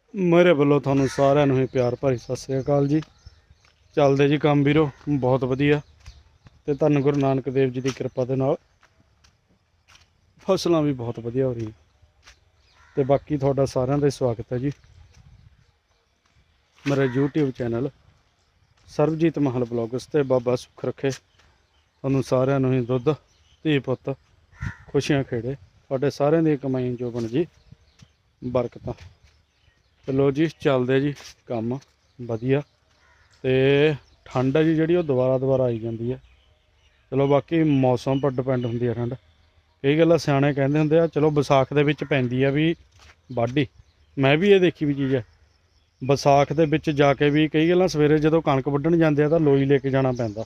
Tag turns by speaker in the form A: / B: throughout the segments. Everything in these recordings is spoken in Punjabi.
A: ਮੇਰੇ ਵੱਲੋਂ ਤੁਹਾਨੂੰ ਸਾਰਿਆਂ ਨੂੰ ਹੀ ਪਿਆਰ ਭਰੀ ਸਤਿ ਸ੍ਰੀ ਅਕਾਲ ਜੀ। ਚੱਲਦੇ ਜੀ ਕੰਮ ਵੀਰੋ ਬਹੁਤ ਵਧੀਆ ਤੇ ਧੰਨ ਗੁਰੂ ਨਾਨਕ ਦੇਵ ਜੀ ਦੀ ਕਿਰਪਾ ਦੇ ਨਾਲ ਫਸਲਾਂ ਵੀ ਬਹੁਤ ਵਧੀਆ ਹੋ ਰਹੀਆਂ ਤੇ ਬਾਕੀ ਤੁਹਾਡਾ ਸਾਰਿਆਂ ਦਾ ਸਵਾਗਤ ਹੈ ਜੀ ਮੇਰੇ YouTube ਚੈਨਲ ਸਰਬਜੀਤ ਮਹਲ ਬਲੌਗਸ ਤੇ ਬਾਬਾ ਸੁੱਖ ਰੱਖੇ ਤੁਹਾਨੂੰ ਸਾਰਿਆਂ ਨੂੰ ਹੀ ਦੁੱਧ ਧੀ ਪੁੱਤ ਖੁਸ਼ੀਆਂ ਖੇੜੇ ਤੁਹਾਡੇ ਸਾਰਿਆਂ ਦੀ ਕਮਾਈ ਜੋ ਬਣ ਜੀ ਬਰਕਤਾਂ। ਚਲੋ ਜੀ ਚੱਲਦੇ ਜੀ ਕੰਮ ਵਧੀਆ ਤੇ ਠੰਡ ਹੈ ਜੀ ਜਿਹੜੀ ਉਹ ਦੁਬਾਰਾ ਆਈ ਜਾਂਦੀ ਹੈ। ਚਲੋ ਬਾਕੀ ਮੌਸਮ ਪਰ ਡਿਪੈਂਡ ਹੁੰਦੀ ਹੈ ਠੰਡ। ਕਈ ਗੱਲਾਂ ਸਿਆਣੇ ਕਹਿੰਦੇ ਹੁੰਦੇ ਆ ਚਲੋ ਵਿਸਾਖ ਦੇ ਵਿੱਚ ਪੈਂਦੀ ਆ ਵੀ ਵਾਢੀ। ਮੈਂ ਵੀ ਇਹ ਦੇਖੀ ਵੀ ਚੀਜ਼ ਹੈ ਵਿਸਾਖ ਦੇ ਵਿੱਚ ਜਾ ਕੇ ਵੀ ਕਈ ਗੱਲਾਂ ਸਵੇਰੇ ਜਦੋਂ ਕਣਕ ਵੱਢਣ ਜਾਂਦੇ ਆ ਤਾਂ ਲੋਈ ਲੈ ਕੇ ਜਾਣਾ ਪੈਂਦਾ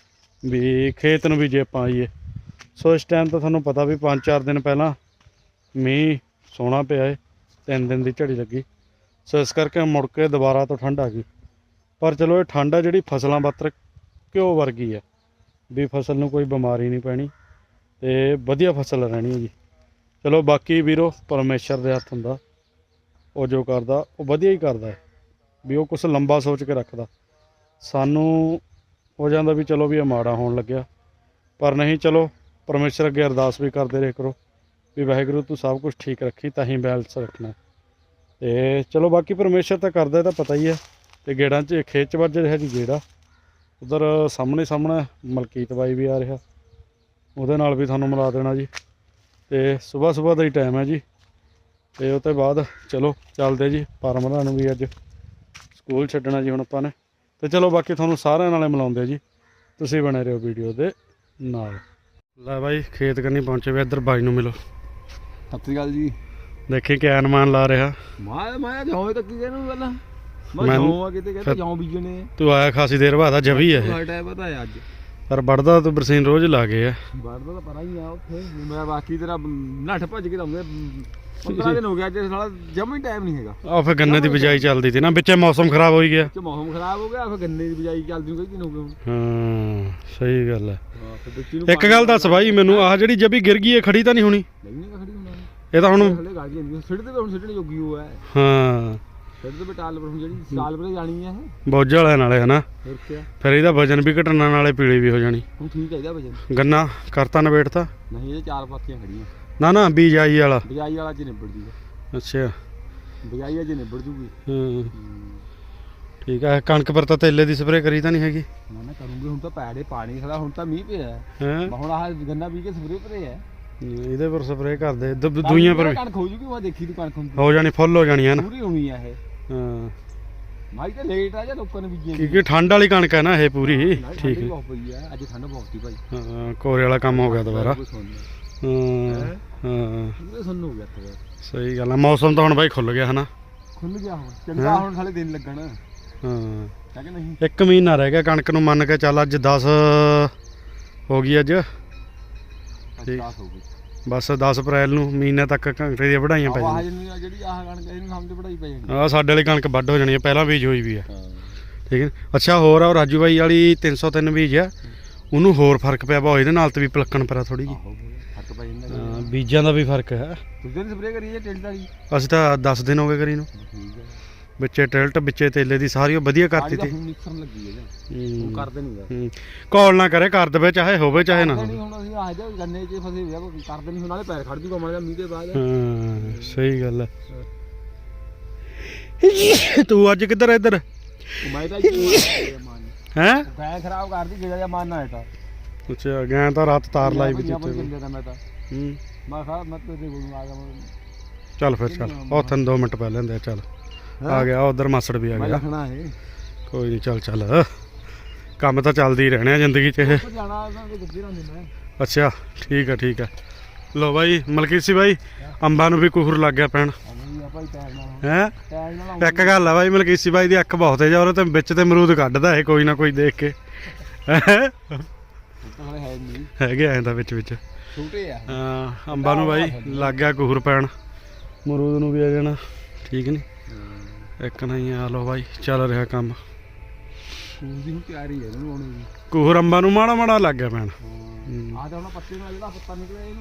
A: ਵੀ ਖੇਤ ਨੂੰ ਵੀ ਜੇ ਆਪਾਂ ਆਈਏ। ਸੋ ਇਸ ਟਾਈਮ ਤਾਂ ਤੁਹਾਨੂੰ ਪਤਾ ਵੀ 5-4 ਦਿਨ ਪਹਿਲਾਂ ਮੀਂਹ ਸੋਹਣਾ ਪਿਆ ਹੈ 3 ਦਿਨ ਦੀ ਝੜੀ ਲੱਗੀ। ਸੋ ਇਸ ਕਰਕੇ ਮੁੜ ਕੇ ਦੁਬਾਰਾ ਤੋਂ ਠੰਡ ਆ ਗਈ। ਪਰ ਚਲੋ ਇਹ ਠੰਡ ਆ ਜਿਹੜੀ ਫਸਲਾਂ ਵਾਸਤੇ ਘਿਓ ਵਰਗੀ ਹੈ ਵੀ ਫਸਲ ਨੂੰ ਕੋਈ ਬਿਮਾਰੀ ਨਹੀਂ ਪੈਣੀ ਤੇ ਵਧੀਆ ਫਸਲ ਰਹਿਣੀ ਹੈ ਜੀ। ਚਲੋ ਬਾਕੀ ਵੀਰੋ ਪਰਮੇਸ਼ਰ ਦੇ ਹੱਥ ਹੁੰਦਾ, ਉਹ ਜੋ ਕਰਦਾ ਉਹ ਵਧੀਆ ਹੀ ਕਰਦਾ ਹੈ ਵੀ ਉਹ ਕੁਛ ਲੰਬਾ ਸੋਚ ਕੇ ਰੱਖਦਾ। ਸਾਨੂੰ ਹੋ ਜਾਂਦਾ ਵੀ ਚਲੋ ਵੀ ਇਹ ਮਾੜਾ ਹੋਣ ਲੱਗਿਆ, ਪਰ ਨਹੀਂ ਚਲੋ ਪਰਮੇਸ਼ਰ ਅੱਗੇ ਅਰਦਾਸ ਵੀ ਕਰਦੇ ਰਹੇ ਕਰੋ ਵੀ ਵਾਹਿਗੁਰੂ ਤੂੰ ਸਭ ਕੁਝ ਠੀਕ ਰੱਖੀ ਤਾਂ ਹੀ ਬੈਲੈਂਸ ਰੱਖਣਾ। ਤੇ ਚਲੋ ਬਾਕੀ ਪਰਮੇਸ਼ਰ ਤਾਂ ਕਰਦਾ ਤਾਂ ਪਤਾ ਹੀ ਹੈ। ਤੇ ਗੇੜਾਂ 'ਚ ਖੇਤ 'ਚ ਵੱਜ ਰਿਹਾ ਜੀ ਗੇੜਾ, ਉਧਰ ਸਾਹਮਣੇ ਮਲਕੀਤ ਬਾਈ ਵੀ ਆ ਰਿਹਾ, ਉਹਦੇ ਨਾਲ ਵੀ ਤੁਹਾਨੂੰ ਮਿਲਾ ਦੇਣਾ ਜੀ। ਤੇ ਸੁਬਾਹ ਦਾ ਹੀ ਟਾਈਮ ਹੈ ਜੀ ਤੇ ਉਹ ਤੋਂ ਬਾਅਦ ਚਲੋ ਚੱਲਦੇ ਜੀ ਪਰਮਰਾਂ ਨੂੰ ਵੀ ਅੱਜ ਸਕੂਲ ਛੱਡਣਾ ਜੀ ਹੁਣ ਆਪਾਂ ਨੇ। ਤੇ ਚਲੋ ਬਾਕੀ ਤੁਹਾਨੂੰ ਸਾਰਿਆਂ ਨਾਲੇ ਮਿਲਾਉਂਦੇ ਜੀ, ਤੁਸੀਂ ਬਣੇ ਰਹੋ ਵੀਡੀਓ ਦੇ ਨਾਲ। ਲੈ ਬਾਈ ਖੇਤ ਕੰਨੀ ਪਹੁੰਚੇ ਵੀ, ਇੱਧਰ ਬਾਈ ਨੂੰ ਮਿਲੋ।
B: ਸਤਿ ਸ਼੍ਰੀ ਅਕਾਲ ਜੀ।
A: ਦੇਖੀ ਕਿਆ ਅਨੁਮਾਨ ਲਾ ਰਿਹਾ।
B: ਮੈਂ ਜੌਂ ਤੱਕ ਇਹਨੂੰ ਪਹਿਲਾਂ ਮੈਂ ਜੌਂ ਆ ਕਿਤੇ ਕਹਿੰਦਾ ਜੌਂ ਬੀਜਣੇ।
A: ਤੂੰ ਆਇਆ ਖਾਸੀ ਦੇਰ ਬਾਅਦ ਆ ਜਵੀ ਹੈ
B: ਇਹ ਟਾਈਮ ਪਤਾ ਹੈ ਅੱਜ,
A: ਪਰ ਵੜਦਾ ਤੂੰ ਬਰਸੀਨ ਰੋਜ਼ ਲਾ ਗਏ ਆ।
B: ਵੜਦਾ ਤਾਂ ਪਰਾਂ ਹੀ ਆ ਉੱਥੇ। ਮੈਂ ਬਾਕੀ ਤੇਰਾ ਨੱਠ ਭੱਜ ਕੇ ਦਊਂਗਾ 15 ਦਿਨ ਹੋ ਗਿਆ ਅੱਜ ਨਾਲ ਜਮਾ ਹੀ ਟਾਈਮ ਨਹੀਂ ਹੈਗਾ।
A: ਆ ਫਿਰ ਗੰਨੇ ਦੀ ਬਿਜਾਈ ਚੱਲਦੀ ਸੀ ਨਾ, ਵਿੱਚੇ ਮੌਸਮ ਖਰਾਬ ਹੋਈ ਗਿਆ।
B: ਮੌਸਮ ਖਰਾਬ ਹੋ ਗਿਆ ਫਿਰ ਗੰਨੇ ਦੀ ਬਿਜਾਈ ਚੱਲਦੀ ਨੂੰ ਕਈ ਦਿਨ ਹੋ ਗਏ ਹੁਣ।
A: ਹਾਂ ਸਹੀ ਗੱਲ ਹੈ। ਇੱਕ ਗੱਲ ਦੱਸ ਬਾਈ ਮੈਨੂੰ, ਆਹ ਜਿਹੜੀ ਜਬੀ ਗਿਰ ਗਈ ਇਹ ਖੜੀ ਤਾਂ ਨਹੀਂ ਹੋਣੀ?
B: ਨਹੀਂ ਖੜੀ ਹੋਣਾ
A: ਇਹ ਤਾਂ ਹੁਣ
B: ਹਲੇ ਗਾੜੀ ਜਾਂਦੀ ਸਿੱਟ ਤੇ ਹੁਣ ਸਿੱਟਣ ਜੋਗੀ ਉਹ ਹੈ।
A: ਹਾਂ
B: ਸਿੱਟ ਤੇ ਬਟਾਲ ਪਰ ਹੁਣ ਜਿਹੜੀ ਸਾਲ ਪਰ ਜਾਣੀ ਹੈ ਇਹ
A: ਬੋਝ ਵਾਲੇ ਨਾਲੇ ਹਨਾ।
B: ਫਿਰ ਕਿਆ
A: ਫਿਰ ਇਹਦਾ ਵਜਨ ਵੀ ਘਟਣਾ ਨਾਲੇ ਪੀਲੀ ਵੀ ਹੋ ਜਾਣੀ।
B: ਹੁਣ ਠੀਕ ਹੈ ਇਹਦਾ ਵਜਨ।
A: ਗੰਨਾ ਕਰਤਾ ਨਵੇੜਤਾ?
B: ਨਹੀਂ ਇਹ 4 ਪਾਥੀਆਂ ਖੜੀਆਂ।
A: ਨਾ ਬਿਜਾਈ ਵਾਲਾ?
B: ਬਿਜਾਈ ਵਾਲਾ ਚ ਨਿਬੜ ਜੂਗਾ।
A: ਅੱਛਾ
B: ਬਿਜਾਈ ਅਜੇ ਨਿਬੜ ਜੂਗੀ।
A: ਹਾਂ ਠੀਕ ਹੈ। ਕਣਕ ਪਰ ਤਾਂ ਤੇਲੇ ਦੀ ਸਪਰੇਅ ਕਰੀ ਤਾਂ ਨਹੀਂ ਹੈਗੀ?
B: ਨਾ ਕਰੂੰਗੇ ਹੁਣ ਤਾਂ ਪੈੜੇ ਪਾਣੀ ਖੜਾ, ਹੁਣ ਤਾਂ ਮੀਂਹ ਪਿਆ
A: ਹੈ।
B: ਹੁਣ ਆਹ ਗੰਨਾ ਬੀਜ ਕੇ ਸਪਰੇਅ ਭਰੇ ਹੈ।
A: ਇਹਦੇ ਪਰ ਸਪਰੇਅ ਕਰਦੇ ਦੂਈਆਂ ਪਰ
B: ਕਣਕ ਹੋ ਜੂਗੀ। ਮੈਂ ਦੇਖੀ ਤੂੰ ਕਣਕ
A: ਹੋ ਜਾਣੀ ਫੁੱਲ ਹੋ ਜਾਣੀ ਹੈ ਨਾ
B: ਪੂਰੀ ਹੋਣੀ ਆ ਇਹ।
A: ਹਾਂ
B: ਮਾਈ ਤਾਂ ਲੇਟ ਆ ਜਾਂ ਲੋਕਾਂ ਨੇ ਬੀਜੀ
A: ਕਿਉਂਕਿ ਠੰਡ ਵਾਲੀ ਕਣਕ ਹੈ ਨਾ ਇਹ ਪੂਰੀ। ਠੀਕ ਹੈ
B: ਬਹੁਤ ਪਈ ਆ ਅੱਜ, ਠੰਡ ਬਹੁਤ ਸੀ ਭਾਈ।
A: ਹਾਂ ਕੋਰੇ ਵਾਲਾ ਕੰਮ ਹੋ ਗਿਆ ਦੁਬਾਰਾ। ਹਾਂ
B: ਪੂਰੇ ਸੁੰਨ ਹੋ ਗਿਆ ਇੱਥੇ।
A: ਸਹੀ ਗੱਲ ਹੈ। ਮੌਸਮ ਤਾਂ ਹੁਣ ਬਾਈ ਖੁੱਲ ਗਿਆ ਹਨਾ।
B: ਖੁੱਲ ਗਿਆ ਹੁਣ ਚੰਗਾ, ਹੁਣ ਸਾਲੇ ਦਿਨ ਲੱਗਣ।
A: ਹਾਂ
B: ਹੈ ਕਿ ਨਹੀਂ?
A: 1 ਮਹੀਨਾ ਰਹਿ ਗਿਆ ਕਣਕ ਨੂੰ ਮੰਨ ਕੇ ਚੱਲ। ਅੱਜ 10 ਹੋ ਗਈ ਅੱਜ।
B: 10 ਹੋ ਗਈ
A: ਬਸ 10 ਅਪ੍ਰੈਲ ਨੂੰ ਮਹੀਨੇ ਤੱਕ ਕਣਕ ਦੀਆਂ ਵਢਾਈਆਂ ਪੈ
B: ਜਾਣੀਆਂ। ਜਿਹੜੀ ਆਹ ਕਣਕ ਇਹਨੂੰ ਸਮਝ ਵਢਾਈ ਪੈ ਜਾਣੀ।
A: ਆਹ ਸਾਡੇ ਵਾਲੀ ਕਣਕ ਵੱਢ ਹੋ ਜਾਣੀ ਹੈ, ਪਹਿਲਾਂ ਬੀਜ ਹੋਈ ਵੀ ਹੈ।
B: ਹਾਂ
A: ਠੀਕ ਹੈ। ਅੱਛਾ ਹੋਰ ਆ ਰਾਜੂ ਬਾਈ ਵਾਲੀ 303 ਬੀਜ ਆ, ਉਹਨੂੰ ਹੋਰ ਫਰਕ ਪਿਆ ਵਾ ਇਹਦੇ ਨਾਲ ਤੇ ਵੀ ਪਲੱਕਣ ਪਿਆ ਥੋੜੀ ਜਿਹੀ।
B: ਫਰਕ ਪੈ ਜਾਂਦਾ।
A: ਬੀਜਾਂ ਦਾ ਵੀ ਫਰਕ ਹੈ।
B: ਤੁਸੀਂ ਸਪਰੇਅ ਕਰੀ ਜਾਂ ਟਿਲਟ ਵਾਲੀ?
A: ਅਸੀਂ ਤਾਂ 10 ਦਿਨ ਹੋ ਗਏ ਕਰੀ ਨੂੰ।
B: ਠੀਕ ਹੈ।
A: ਵਿੱਚੇ ਟਿਲਟ ਵਿੱਚੇ ਤੇਲੇ ਦੀ ਸਾਰੀ ਉਹ ਵਧੀਆ ਕਰਤੀ ਤੀ।
B: ਹੁਣ ਨਿਕਸਣ ਲੱਗੀ ਹੈ ਜੀ। ਉਹ ਕਰਦੇ ਨਹੀਂ
A: ਕਾਲ ਨਾ ਕਰੇ, ਕਰ ਦੇਵੇ ਚਾਹੇ ਹੋਵੇ ਚਾਹੇ ਨਾ ਹੋਵੇ।
B: ਹੁਣ ਅਸੀਂ ਆਹ ਜੇ ਗੰਨੇ 'ਚ ਫਸੇ ਹੋਇਆ ਕਰਦੇ ਨਹੀਂ। ਨਾਲੇ ਪੈਰ ਖੜ ਜੂਗਾ ਮਾੜਾ ਮੀਂਹ ਦੇ ਬਾਅਦ।
A: ਹਾਂ ਸਹੀ ਗੱਲ ਹੈ। ਤੂੰ ਅੱਜ ਕਿੱਧਰ ਇੱਧਰ?
B: ਮੈਂ ਤਾਂ
A: ਹੈ
B: ਗਾਂ ਖਰਾਬ ਕਰਦੀ ਜਿਹੜਾ ਜਿਹਾ ਮਾਰਨਾ ਹੈ ਤਾਂ।
A: ਅੱਛਾ ਗਾਂ ਤਾਂ ਰਾਤ ਤਾਰ ਲਾਈ ਵੀ
B: ਦਿੱਤੇ
A: ਦਿੱਤੇ।
B: ਮੈਂ ਤਾਂ ਮੈਂ ਖਾ ਮੈਂ ਤੇਰੇ ਕੋਲ ਆ ਗਿਆ।
A: ਚੱਲ ਫਿਰ ਚੱਲ ਉੱਥੇ 2 ਮਿੰਟ ਪਹਿਲੇ ਹੁੰਦੇ ਚੱਲ ਆ ਗਿਆ। ਉਧਰ ਮਾਸੜ ਵੀ ਆ ਗਿਆ।
B: ਰੱਖਣਾ ਹੈ
A: ਕੋਈ ਨਹੀਂ ਚੱਲ ਕੰਮ ਤਾਂ ਚੱਲਦੇ ਹੀ ਰਹਿਣੇ ਆ ਜ਼ਿੰਦਗੀ 'ਚ ਇਹ। ਅੱਛਾ ਠੀਕ ਹੈ। ਲੋ ਬਾਈ ਮਲਕੀਸੀ ਬਾਈ ਅੰਬਾਂ ਨੂੰ ਵੀ ਕੁਹਰ ਲੱਗ ਗਿਆ ਪੈਣ। ਹੈ ਇੱਕ ਗੱਲ ਆ ਬਾਈ ਮਲਕੀਸੀ ਬਾਈ ਦੀ ਅੱਖ ਬਹੁਤ ਤੇਜ਼ ਆ, ਉਹਦੇ ਤੇ ਵਿੱਚ ਤੇ ਅਮਰੂਦ ਕੱਢਦਾ ਇਹ ਕੋਈ ਨਾ ਕੋਈ ਦੇਖ ਕੇ। ਹੈਗੇ ਐਂ ਤਾਂ ਵਿੱਚ ਹਾਂ ਅੰਬਾਂ ਨੂੰ ਬਾਈ ਲੱਗ ਗਿਆ ਕੁਹਰ ਪੈਣ, ਅਮਰੂਦ ਨੂੰ ਵੀ ਆ ਜਾਣਾ। ਠੀਕ ਨੀ ਇੱਕ ਨਹੀਂ ਆ। ਲੋ ਬਾਈ ਚੱਲ ਰਿਹਾ ਕੰਮ। ਕੁਹਰ ਅੰਬਾਂ ਨੂੰ ਮਾੜਾ ਲੱਗ ਗਿਆ ਪੈਣ।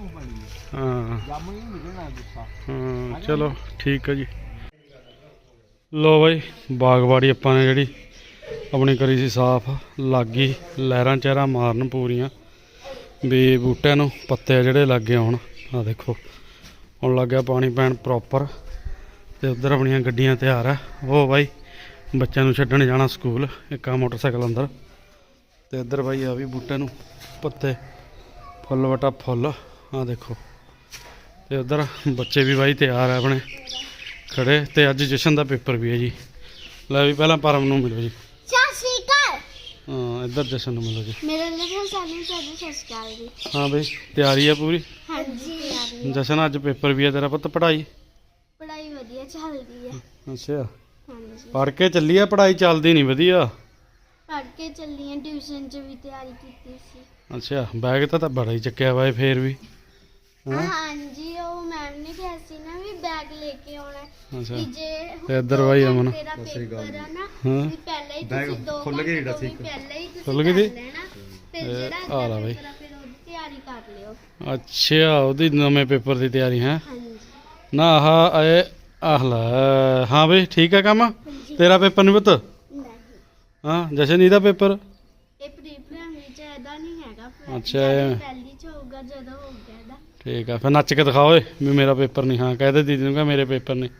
A: ਹਾਂ ਚਲੋ ਠੀਕ ਹੈ ਜੀ। ਲੋ ਬਾਈ ਬਾਗਬਾੜੀ ਆਪਾਂ ਨੇ ਜਿਹੜੀ ਆਪਣੀ ਕਰੀ ਸੀ ਸਾਫ਼, ਲੱਗ ਗਈ ਲਹਿਰਾਂ ਚਿਹਰਾ ਮਾਰਨ ਪੂਰੀਆਂ ਵੀ ਬੂਟਿਆਂ ਨੂੰ ਪੱਤੇ ਜਿਹੜੇ ਲੱਗੇ ਹੋਣ। ਆ ਦੇਖੋ ਹੁਣ ਲੱਗ ਗਿਆ ਪਾਣੀ ਪੈਣ ਪ੍ਰੋਪਰ। ਤੇ ਉੱਧਰ ਆਪਣੀਆਂ ਗੱਡੀਆਂ ਤਿਆਰ ਆ। ਉਹ ਬਾਈ ਬੱਚਿਆਂ ਨੂੰ ਛੱਡਣ ਜਾਣਾ ਸਕੂਲ, ਇੱਕ ਆ ਮੋਟਰਸਾਈਕਲ ਅੰਦਰ। ਤੇ ਇੱਧਰ ਬਾਈ ਆ ਵੀ ਬੂਟੇ ਨੂੰ ਪੱਤੇ ਫੁੱਲ ਵਟਾ ਫੁੱਲ। ਆ ਦੇਖੋ ਤੇ ਉੱਧਰ ਬੱਚੇ ਵੀ ਬਾਈ ਤਿਆਰ ਆ ਆਪਣੇ ਖੜੇ। ਤੇ ਅੱਜ ਜਸ਼ਨ ਦਾ ਪੇਪਰ ਵੀ ਹੈ ਜੀ। ਲੈ ਵੀ ਪਹਿਲਾਂ ਪਰਮ ਨੂੰ ਮਿਲੋ ਜੀ।
C: ਸਤਿ ਸ਼੍ਰੀ ਅਕਾਲ।
A: ਹਾਂ ਇੱਧਰ ਜਸ਼ਨ ਨੂੰ ਮਿਲੋ ਜੀ।
C: ਮੇਰੇ ਲਈ ਸਾਨੂੰ ਸਤਿ ਸ਼੍ਰੀ ਅਕਾਲ ਜੀ।
A: ਹਾਂ ਬਈ ਤਿਆਰੀ ਆ ਪੂਰੀ?
C: ਹਾਂਜੀ
A: ਜਸ਼ਨ ਅੱਜ ਪੇਪਰ ਵੀ ਹੈ ਤੇਰਾ ਪੁੱਤ। ਪੜ੍ਹਾਈ
C: ਪੜ੍ਹਾਈ ਵਧੀਆ ਚੱਲਦੀ ਹੈ।
A: ਅੱਛਾ
C: ਹਾਂਜੀ
A: ਪੜ੍ਹ ਕੇ ਚੱਲੀ ਆ? ਪੜ੍ਹਾਈ ਚੱਲਦੀ ਨਹੀਂ ਵਧੀਆ।
C: ਪੜ੍ਹ ਕੇ ਚੱਲੀ ਹਾਂ, ਟਿਊਸ਼ਨ 'ਚ ਵੀ ਤਿਆਰੀ ਕੀਤੀ ਸੀ।
A: ਅੱਛਾ ਬੈਗ ਤਾਂ ਬੜਾ ਹੀ ਚੱਕਿਆ ਵਾ ਫੇਰ ਵੀ। ਹੈਂ?
C: ਹਾਂਜੀ ਉਹ ਮੈਮ ਨੇ ਕਿਹਾ ਸੀ ਨਾ ਵੀ ਬੈਗ ਲੈ ਕੇ ਆਉਣਾ
A: ਅੱਛਾ
C: ਵੀ ਜੇ
A: ਤੇ ਇੱਧਰ ਬਾਈ ਅਮਨ।
C: ਤੇਰਾ ਪੇਪਰ ਆ ਨਾ
A: ਹਾਂ
C: ਵੀ ਪਹਿਲਾਂ ਹੀ ਤੁਸੀਂ 2 ਖੁੱਲ ਗਏ ਜਿਹੜਾ ਸੀ ਪਹਿਲਾਂ ਹੀ ਤੁਸੀਂ
A: ਖੁੱਲ ਗਈ ਸੀ?
C: ਲੈਣਾ ਫਿਰ
A: ਇਹ
C: ਜਿਹੜਾ
A: ਆ ਲਾ ਬਾਈ।
C: ਪੇਪਰ ਆ ਫਿਰ ਉਹਦੀ ਤਿਆਰੀ ਕਰ ਲਿਓ।
A: ਅੱਛਾ ਉਹਦੀ ਨਵੇਂ ਪੇਪਰ ਦੀ ਤਿਆਰੀ ਹੈ
C: ਹਾਂਜੀ
A: ਨਾ। ਆਹ ਇਹ ਆਹ ਲੈ। ਹਾਂ ਬਈ ਠੀਕ ਹੈ ਕੰਮ।
C: ਹਾਂਜੀ
A: ਤੇਰਾ ਪੇਪਰ ਨਹੀਂ ਪੁੱਤ?
C: ਨਹੀਂ
A: ਹਾਂ ਜਸ਼ਨ ਇਹਦਾ ਪੇਪਰ?
C: ਇਹ ਪ੍ਰੀ ਪ੍ਰਾਇਮਰੀ 'ਚ ਇਹਦਾ ਨਹੀਂ ਹੈਗਾ।
A: ਅੱਛਾ ਇਹ
C: ਪਹਿਲੀ 'ਚ ਹੋਊਗਾ ਜਦੋਂ ਹੋ ਗਿਆ ਇਹਦਾ।
A: ਠੀਕ ਆ ਫਿਰ ਨੱਚ ਕੇ ਦਿਖਾਓ ਓਏ ਵੀ ਮੇਰਾ ਪੇਪਰ ਨਹੀਂ। ਹਾਂ ਕਹਿ ਦੇ ਦੀਦੀ ਨੂੰ ਕਹ ਮੇਰੇ ਪੇਪਰ ਨਹੀਂ।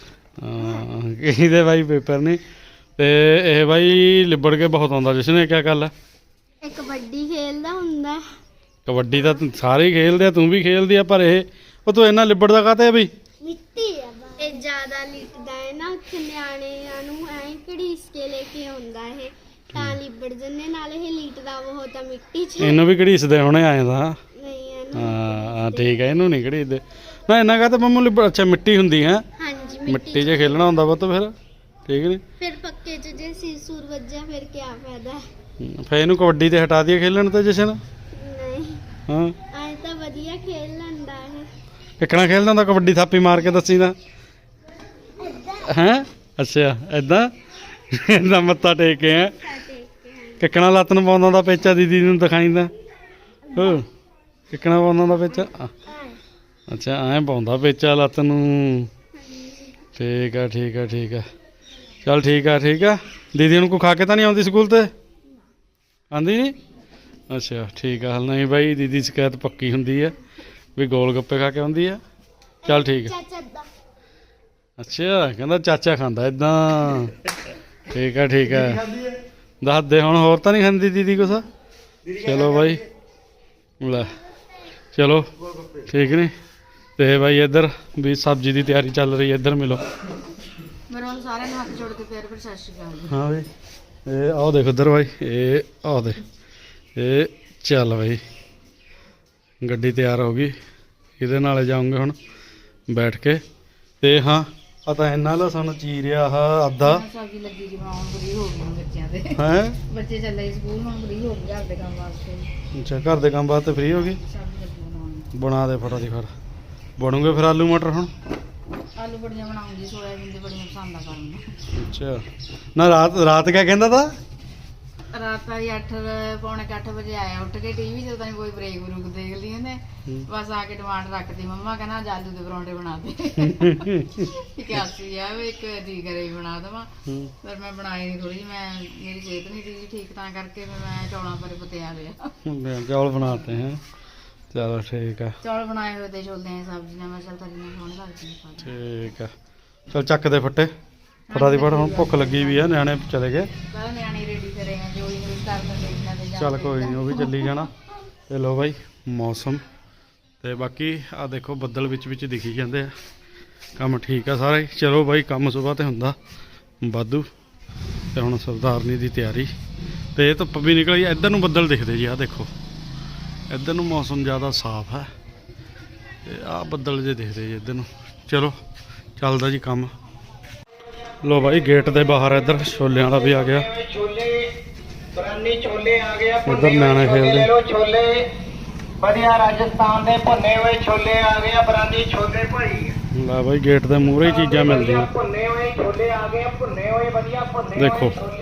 A: ਹਾਂ ਕਹਿੰਦੇ ਬਾਈ ਪੇਪਰ ਨਹੀਂ। ਤੇ ਇਹ ਬਾਈ ਲਿਬੜ ਕੇ ਬਹੁਤ ਆਉਂਦਾ ਜਸ਼ਨ। ਇਹ ਕਿਆ ਗੱਲ ਹੈ?
C: ਇਹ ਕਬੱਡੀ ਖੇਲਦਾ ਹੁੰਦਾ ਹੈ।
A: ਕਬੱਡੀ ਤਾਂ ਸਾਰੇ ਹੀ ਖੇਲਦੇ ਆ, ਤੂੰ ਵੀ ਖੇਲਦੀ ਆ, ਪਰ ਇਹ ਉਹ ਤੂੰ ਇੰਨਾ ਲਿਬੜਦਾ ਕਾਹਤੇ ਬਈ?
C: ਮਿੱਟੀ ਆ ਇਹ ਜ਼ਿਆਦਾ ਲਿਟਦਾ ਹੈ ਨਾ ਉੱਥੇ ਨਿਆਣਿਆਂ ਨੂੰ ਐਂ ਘੜੀਸ ਕੇ ਲੈ ਕੇ ਆਉਂਦਾ ਇਹ ਤਾਂ ਲਿਬੜ ਜੰਨੇ। ਨਾਲ ਇਹ ਲਿਟਦਾ ਬਹੁਤ ਆ ਮਿੱਟੀ 'ਚ।
A: ਇਹਨੂੰ ਵੀ ਘੜੀਸਦੇ ਹੋਣੇ ਆਏ ਤਾਂ।
C: ਨਹੀਂ ਇਹਨੂੰ
A: ਹਾਂ ਠੀਕ ਹੈ ਇਹਨੂੰ ਨਹੀਂ ਘੜੀਸਦੇ ਨਾ। ਇੰਨਾ ਕਾਹਤੇ ਮੰਮੂ ਲਿਬੜ? ਅੱਛਾ ਮਿੱਟੀ ਹੁੰਦੀ ਹੈ,
C: ਹਾਂਜੀ
A: ਮਿੱਟੀ 'ਚ ਖੇਲਣਾ ਹੁੰਦਾ ਪੁੱਤ ਫਿਰ। ਠੀਕ ਨਹੀਂ
C: ਫਿਰ ਪੱਕੇ 'ਚ ਜੇ ਸਿਰ ਵੱਜਿਆ ਫਿਰ ਕੀ ਫਾਇਦਾ ਹੈ?
A: ਫਿਰ ਇਹਨੂੰ ਕਬੱਡੀ ਤੇ ਹਟਾ ਦਈਏ ਖੇਲਣ ਤੇ ਜਸ਼ਨ।
C: ਨਹੀਂ
A: ਹਾਂ
C: ਐਂ ਤਾਂ ਵਧੀਆ ਖੇਲ ਲੈਂਦਾ ਇਹ।
A: ਕਿੱਕਣਾ ਖੇਲਦਾ ਹੁੰਦਾ ਕਬੱਡੀ? ਥਾਪੀ ਮਾਰ ਕੇ ਦੱਸੀ ਤਾਂ। ਹੈਂ ਅੱਛਾ ਏਦਾਂ ਏਦਾਂ ਮੱਥਾ ਟੇਕ ਕੇ ਹੈ ਕਿੱਕਣਾ ਲੱਤ ਨੂੰ ਪਾਉਂਦਾ ਹੁੰਦਾ ਪੇਚਾ? ਦੀਦੀ ਨੂੰ ਦਿਖਾਈਂਦਾ ਹੋ ਕਿੱਕਣਾ ਪਾਉਂਦਾ ਹੁੰਦਾ ਪੇਚਾ? ਅੱਛਾ ਐਂ ਪਾਉਂਦਾ ਪੇਚਾ ਲੱਤ ਨੂੰ। ਠੀਕ ਆ ਠੀਕ ਆ ਠੀਕ ਆ ਚੱਲ ਠੀਕ ਆ ਠੀਕ ਆ। ਦੀਦੀ ਨੂੰ ਕੋਈ ਖਾ ਕੇ ਤਾਂ ਨਹੀਂ ਆਉਂਦੀ ਸਕੂਲ ਤੇ? ਆਉਂਦੀ ਨਹੀਂ? ਅੱਛਾ ਠੀਕ ਆ। ਨਹੀਂ ਬਾਈ ਦੀਦੀ ਸ਼ਿਕਾਇਤ ਪੱਕੀ ਹੁੰਦੀ ਹੈ ਵੀ ਗੋਲ ਗੱਪੇ ਖਾ ਕੇ ਆਉਂਦੀ ਆ। ਚੱਲ ਠੀਕ ਆ।
C: ਚਾਚਾ ਦਾ
A: ਅੱਛਾ ਕਹਿੰਦਾ ਚਾਚਾ ਖਾਂਦਾ ਇਦਾਂ। ਠੀਕ ਆ ਠੀਕ ਆ ਦੱਸ ਦੇ ਹੁਣ। ਹੋਰ ਤਾਂ ਨਹੀਂ ਖਾਂਦੀ ਦੀਦੀ ਕੁਛ? ਚਲੋ ਬਾਈ ਲੈ ਚਲੋ ਠੀਕ ਨਹੀਂ। ਤੇ ਬਾਈ ਇੱਧਰ ਵੀ ਸਬਜ਼ੀ ਦੀ ਤਿਆਰੀ ਚੱਲ ਰਹੀ ਹੈ। ਇੱਧਰ ਮਿਲੋ
C: ਮੇਰੇ ਵੱਲ ਸਾਰਿਆਂ ਨੂੰ ਹੱਥ ਜੋੜ ਕੇ ਪਿਆਰ ਭਰੀ ਸਤਿ ਸ਼੍ਰੀ ਅਕਾਲ।
A: ਹਾਂ ਬਾਈ ਇਹ ਆਓ ਦੇਖ ਉੱਧਰ ਬਾਈ। ਇਹ ਆਓ ਦੇ ਇਹ ਚੱਲ ਬਾਈ ਗੱਡੀ ਤਿਆਰ ਹੋ ਗਈ। ਇਹਦੇ ਨਾਲ ਜਾਊਂਗੇ ਹੁਣ ਬੈਠ ਕੇ। ਤੇ ਹਾਂ ਆ ਤਾਂ ਇੰਨਾ ਲਸਣ ਚੀਰਿਆ ਆਹ ਅੱਧਾ
D: ਸਬਜ਼ੀ ਲੱਗੀ ਜੀ ਬਣਾਉਣ ਫਰੀ ਹੋ ਗਈ ਬੱਚਿਆਂ ਦੇ।
A: ਹੈ।
D: ਬੱਚੇ ਚੱਲੇ ਸਕੂਲ ਹੁਣ ਫਰੀ ਹੋ ਗਏ ਘਰ ਦੇ ਕੰਮ ਵਾਸਤੇ।
A: ਅੱਛਾ ਘਰ ਦੇ ਕੰਮ ਵਾਸਤੇ ਫ੍ਰੀ ਹੋ ਗਈ।
D: ਸਬਜ਼ੀ ਲੱਗੀ ਬਣਾਉਣ।
A: ਬਣਾ ਦੇ ਫਟਾਫਟ ਫਿਰ। ਬਣੂਗੇ ਫਿਰ ਆਲੂ ਮਟਰ ਹੁਣ?
D: ਆਲੂ ਬੜੀਆਂ ਬਣਾਉਂਗੀ, ਸੋਇਆਬੀਨ ਦੀ ਬੜੀਆਂ ਪਸੰਦ ਆ ਕਰਨ।
A: ਅੱਛਾ ਨਾ ਰਾਤ ਕਿਆ ਕਹਿੰਦਾ ਤਾ?
D: ਰਾਤ ਵਾਲੀ 8 ਪੌਣੇ 8 ਵਜੇ ਆਇਆ ਉੱਠ ਕੇ ਟੀਵੀ ਜਦੋਂ ਤਾਂ ਕੋਈ ਬ੍ਰੇਕ ਬਰੂਕ ਦੇਖਦੀ ਉਹਨੇ ਬਸ ਆ ਕੇ ਟਮਾਟਰ ਰੱਖਦੀ। ਮੰਮਾ ਕਹਿੰਦਾ ਅੱਜ ਆਲੂ ਦੇ ਪਰੌਂਠੇ ਬਣਾ ਦੇ। ਕਿਆਸੀ ਆ ਵੀ ਇੱਕ ਜੀ ਕਰੇ ਹੀ ਬਣਾ ਦੇਵਾਂ ਪਰ ਮੈਂ ਬਣਾਈ ਨਹੀਂ ਥੋੜੀ। ਮੈਂ ਮੇਰੀ ਸਿਹਤ ਨਹੀਂ ਸੀ ਠੀਕ ਤਾਂ ਕਰਕੇ ਮੈਂ ਚੌਲਾਂ ਪਰ ਪਤਿਆ ਲਿਆ।
A: ਚੌਲ ਬਣਾਤੇ ਹੈ। ਚਲੋ ਠੀਕ ਆ।
D: ਚੌਲ ਬਣਾਏ ਹੋਏ ਤੇ ਛੋਲੇ ਦੀ ਸਬਜ਼ੀ ਨਾਲ ਮੈਂ ਚੱਲ ਤਰੀ ਨਾਲ ਸੋਹਣੇ ਲੱਗਦੇ ਨੇ।
A: ਠੀਕ ਆ ਚਲ ਚੱਕ ਦੇ ਫੱਟੇ ਫਟਾਫਟ। ਹੁਣ ਭੁੱਖ ਲੱਗੀ ਵੀ ਆ, ਨਿਆਣੇ ਚਲੇ ਗਏ।
D: ਪਹਿਲਾਂ ਨਿਆਣੇ ਰੈਡੀ ਕਰੇ ਆ ਜੋ ਯੂਜ਼ ਕਰਨ ਦੇ ਇਹਨਾਂ ਦੇ ਜਾਂ
A: ਚੱਲ ਕੋਈ ਨਹੀਂ ਉਹ ਵੀ ਚੱਲੀ ਜਾਣਾ। ਤੇ ਲੋ ਬਾਈ ਮੌਸਮ ਤੇ ਬਾਕੀ ਆ ਦੇਖੋ ਬੱਦਲ ਵਿੱਚ ਦਿਖੀ ਜਾਂਦੇ ਆ। ਕੰਮ ਠੀਕ ਆ ਸਾਰਾ ਹੀ। ਚਲੋ ਬਾਈ ਕੰਮ ਸੁਬਾਹ ਤੇ ਹੁੰਦਾ ਵਾਧੂ। ਤੇ ਹੁਣ ਸਰਦਾਰਨੀ ਦੀ ਤਿਆਰੀ। ਤੇ ਇਹ ਧੁੱਪ ਵੀ ਨਿਕਲ ਗਈ। ਇੱਧਰ ਨੂੰ ਬੱਦਲ ਦਿਖਦੇ ਜੀ ਆ ਦੇਖੋ। ਇੱਧਰ ਨੂੰ ਮੌਸਮ ਜ਼ਿਆਦਾ ਸਾਫ਼ ਹੈ ਤੇ ਆਹ ਬੱਦਲ ਜੇ ਦਿਖਦੇ ਜੀ ਇੱਧਰ ਨੂੰ। ਚਲੋ ਚੱਲਦਾ ਜੀ ਕੰਮ। ਲੋ ਬਾਈ ਗੇਟ ਦੇ ਬਾਹਰ ਇੱਧਰ ਛੋਲਿਆਂ ਵਾਲਾ ਵੀ ਆ ਗਿਆ। ਇੱਧਰ ਨਿਆਣੇ ਖੇਲਦੇ।
E: ਛੋਲੇ ਵਧੀਆ ਰਾਜਸਥਾਨ ਦੇ ਭੁੰਨੇ ਹੋਏ ਛੋਲੇ ਆ ਗਏ ਆ। ਬਰਾਨੀ ਛੋਲੇ ਭਾਈ
A: ਲੈ ਬਾਈ ਗੇਟ ਦੇ ਮੂਹਰੇ ਹੀ ਚੀਜ਼ਾਂ ਮਿਲਦੀਆਂ।
E: ਭੁੰਨੇ ਹੋਏ ਛੋਲੇ ਆ ਗਏ ਆ। ਭੁੰਨੇ ਹੋਏ ਵਧੀਆ ਭੁੰਨੇ
A: ਦੇਖੋ